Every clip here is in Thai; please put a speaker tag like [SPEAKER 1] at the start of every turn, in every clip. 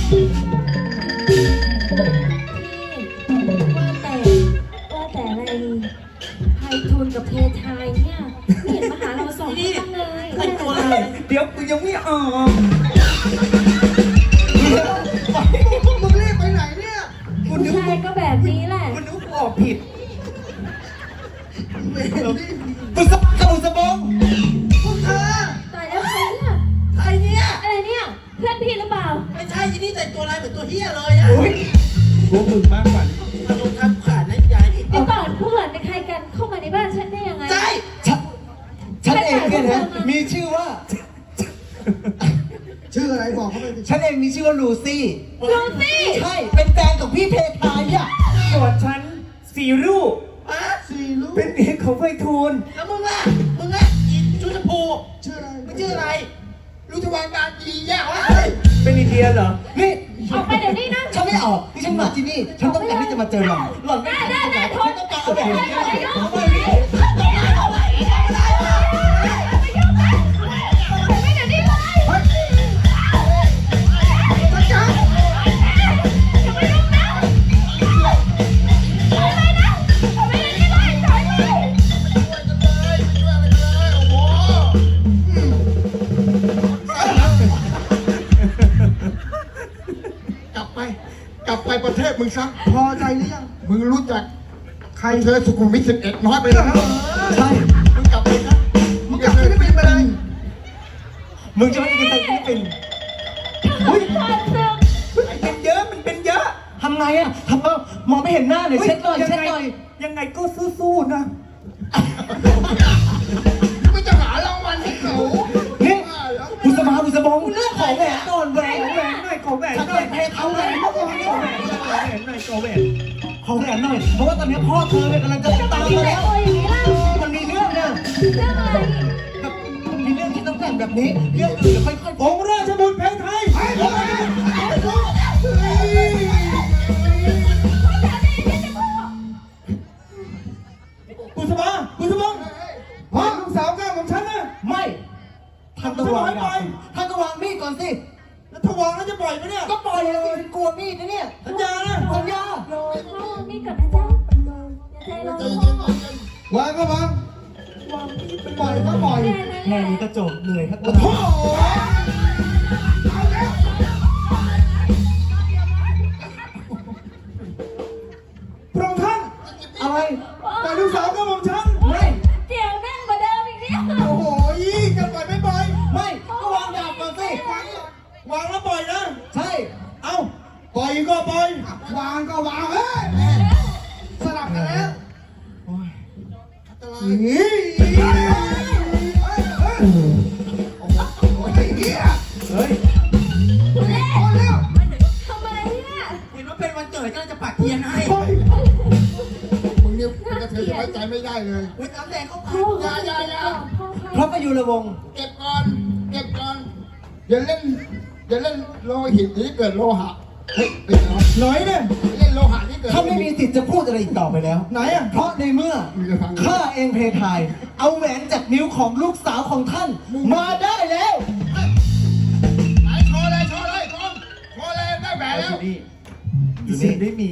[SPEAKER 1] ว่าแต่อะไรไพฑูรย์กับเพทายเนี่ยไม่เห็นมาหาเราสองคนเลยแต่งตัวอะไร
[SPEAKER 2] เดี๋ยวกูยังไม่ออก
[SPEAKER 3] มึงรีบไปไหนเนี่ย
[SPEAKER 1] ผู้ชายก็แบบนี้แหละ
[SPEAKER 2] กูนึกกูออกผิด
[SPEAKER 3] บุษบงกับบุษบงพวกเธอ
[SPEAKER 1] ตายแล้วใครเนี่ย
[SPEAKER 3] ใครเนี่ย
[SPEAKER 1] อะไรเนี่ยเพื่อนพี่หรือเปล่า
[SPEAKER 3] ไม่ใช่ที่นี่แต่งตัวอะไรเหมือนตัวเฮียเลยอะ
[SPEAKER 2] พวกมึงมากกว่า
[SPEAKER 3] อารมณ์ทำขาดนะยาย
[SPEAKER 1] เดี๋ยวก่อนเพื่อนเป็นใครกันเข้ามาในบ้านฉันได้ยังไง
[SPEAKER 3] ใช่
[SPEAKER 2] ฉันเองเนี่ยนะมีชื่อว่า
[SPEAKER 3] ชื่ออะไรบอกเขาไป
[SPEAKER 2] ฉันเองมีชื่อว่าลูซี่
[SPEAKER 1] ลูซี่
[SPEAKER 2] ใช่เป็นแฟนของพี่เพทายอ่ะส่วนฉันสีรูป
[SPEAKER 3] สี่ลูก
[SPEAKER 2] เป็นเด็กของไพฑูรย์
[SPEAKER 3] แล้วมึงอ่ะอีชุดชมพูชื่ออะไรไม่ชื่ออะไรลูกทวารการดีแย่วะ
[SPEAKER 2] เป็นอินเดียเหรอนี่
[SPEAKER 1] ออกไปเดี๋ยวนี้นะ
[SPEAKER 2] ฉันไม่ออกที่ฉันมาที่นี่ฉันต้องการที่จะมาเจอหล่อนหล่อนไม่ได้
[SPEAKER 1] ได้
[SPEAKER 2] ฉันต้องการเอาแบบนี้
[SPEAKER 3] กลับไปประเทศมึงซะพอใจหรือยังมึงรู้จักใครเธอสุขุมวิท11น้อยไปแล้ว
[SPEAKER 2] ใช่
[SPEAKER 3] มึงกลับไปนะมึงกลับไปไม่เป็นไร
[SPEAKER 2] มึงจะไม่กินอะไรที่เป็นเฮ้ยเป็นเยอะมันเป็นเยอะทำไงอ่ะทำมองไม่เห็นหน้าเลยเช็ดหน่อยยังไงก็สู้ๆนะ
[SPEAKER 3] ไม่จะหารางวัลให้เขา
[SPEAKER 2] นี่บุษบงเรื่องของแหวนก่อนแหวนหน่อยของแหวนหน่อยเอาแหวนของแหวนหน่อยของแหวนหน่อยเพราะว่าตอนนี้พ่อเธอเนี่ยกำลังจะตามมาแล้วมันมีเรื่องเนี่ย
[SPEAKER 1] เรื่องอะไร
[SPEAKER 2] มีเรื่องที่ต้องแต่งแบบนี้เรื่องอื่นจะค่อยๆองค์ราชบุตรเพทายบุษบงพ่อลูกสาวก้าวของฉันนะไม่ท่านต้องวางท่านต้องวางมีดก่อนสิแล้วถ้าวางแล้วจะปล่อยไหมเนี่ยก็ปล่อยเลยกลัวมีดนะเนี่ยสัญญานะสัญญา
[SPEAKER 1] มีดก่อนนะจ๊ะอย่าใจร้อน
[SPEAKER 3] วางก็วางปล่อยก็ปล่อย
[SPEAKER 2] แค่นี้ก็จบเหนื่อยครับ
[SPEAKER 3] โอ้โหพระองค์ท่าน
[SPEAKER 2] อะไร
[SPEAKER 3] แต่ลูกสาวก็มองฉัน
[SPEAKER 2] ไม่
[SPEAKER 1] เดี๋ยวแน่นกว่าเดิมอีกเนี่ย
[SPEAKER 3] โอ้โหจะปล่อยไม่ปล่อย
[SPEAKER 2] ไม่ก็วางดาบก่อนสิ
[SPEAKER 3] วางแล้วปล่อยนะ
[SPEAKER 2] ใช่
[SPEAKER 3] เอ้าปล่อยก็ปล่อยวางก็วางเฮ้ยสลับกันแล้วนี่
[SPEAKER 2] เฮ้ย
[SPEAKER 1] ทำอะไรเนี่ย
[SPEAKER 3] เห็นว่าเป็นวันเกิดก็จะปักเทียนให้มึงเนี่ยกระเทยจะไว้ใจไม่ได้เลยอุ้ยน้ำแดงเขาปักยา
[SPEAKER 2] พระประยุรวงศ์
[SPEAKER 3] เก็บก่อนอย่าเล่นโลหิตนี้เกิดโลหะเฮ้ย
[SPEAKER 2] หน่อยเนี่ย
[SPEAKER 3] เล่นโลหะนี่เกิด
[SPEAKER 2] ถ้าไม่มีสิทธิ์จะพูดอะไรอีกต่อไปแล้วไหนอ่ะเพราะในเมื่อข้าเองเพทายเอาแหวนจากนิ้วของลูกสาวของท่านมาได้แล้ว
[SPEAKER 3] โชว์เลยได้แหวนแล้ว
[SPEAKER 2] นี่ไม่มี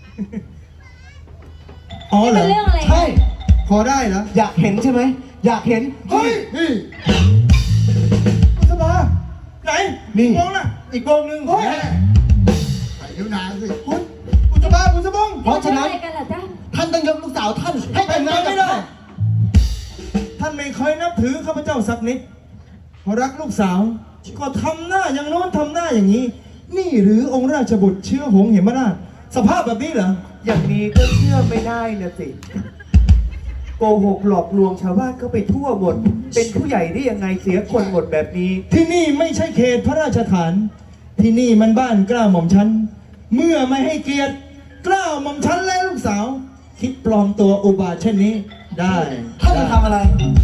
[SPEAKER 2] อ๋อเหรอใช่
[SPEAKER 3] พอได้เหรอ
[SPEAKER 2] อยากเห็นใช่ไหมอยากเห็น
[SPEAKER 3] เฮ้ยนี่สบายไหน
[SPEAKER 2] นี่
[SPEAKER 3] วงน่ะ
[SPEAKER 2] อีกวงหนึ่งเฮ้ย
[SPEAKER 3] ไอ้นิ้วนางสิ
[SPEAKER 2] บุษบงเพราะฉะนั้นท่านต้องยกลูกสาวท่านให้แต่งงานไม่ได้
[SPEAKER 3] ท่านไม่เคยนับถือข้าพเจ้าสักนิดพอรักลูกสาวก็ทำหน้าอย่างโน้นทำหน้าอย่างนี้นี่หรือองค์ราชบุตรเชื้อหงส์เหมราชสภาพแบบนี้เหรอ
[SPEAKER 2] อย่างนี้ก็เชื่อไม่ได้นะสิโกหกหลอกลวงชาวบ้านก็ไปทั่วหมดเป็นผู้ใหญ่ได้ยังไงเสียคนหมดแบบนี้
[SPEAKER 3] ที่นี่ไม่ใช่เขตพระราชฐานที่นี่มันบ้านกล้าหม่อมฉันเมื่อไม่ให้เกียรติกล้าหม่อมฉันและลูกสาวคิดปลอมตัวอุบาทเช่นนี้ได้
[SPEAKER 2] ท่านจะทำอะไร